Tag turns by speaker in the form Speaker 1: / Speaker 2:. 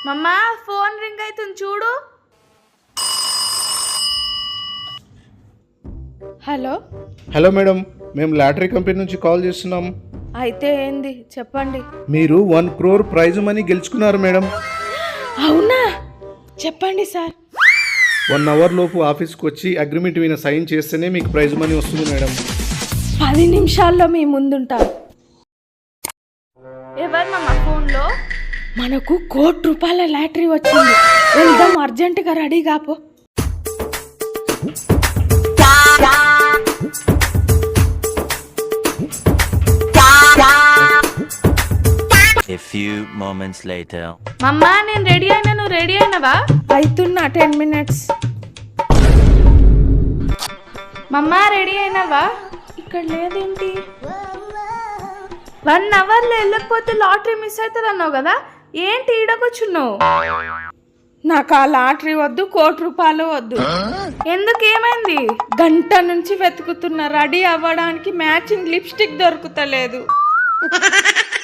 Speaker 1: మమ్మా phone ring అవుతుంది చూడు. హలో
Speaker 2: హలో మేడం, మేము లాటరీ కంపెనీ నుంచి కాల్ చేస్తున్నాం.
Speaker 1: అయితే ఏంది చెప్పండి.
Speaker 2: మీరు 1 crore ప్రైజ్ మనీ గెలుచుకున్నారు మేడం.
Speaker 1: అవునా, చెప్పండి సార్.
Speaker 2: 1 hour లోపు ఆఫీస్కి వచ్చి అగ్రిమెంట్ మీద సైన్ చేస్తేనే మీకు ప్రైజ్ మనీ వస్తుంది మేడం.
Speaker 1: 10 నిమిషాల్లో మీ ముందుంటా. ఎవరు మమ్మా ఫోన్లో? మనకు ₹1 కోటి లాటరీ వచ్చింది, వెళ్దాం అర్జెంటుగా రెడీ కాపో.
Speaker 3: A few moments later.
Speaker 1: మమ్మా నేను రెడీ అయినా, నువ్వు రెడీ అయినవా? అవుతున్నా 10 minutes. మమ్మా రెడీ అయినవా? ఇక్కడ లేదేంటి? 1 hourలో వెళ్ళకపోతే లాటరీ మిస్ అవుతుంది అన్నావు కదా, ఏంటి ఈడకొచ్చున్నావు? నాకు ఆ లాటరీ వద్దు, ₹1 కోటి వద్దు. ఎందుకు, ఏమైంది? గంట నుంచి వెతుకుతున్నా, రెడీ అవ్వడానికి మ్యాచింగ్ లిప్స్టిక్ దొరుకుతలేదు.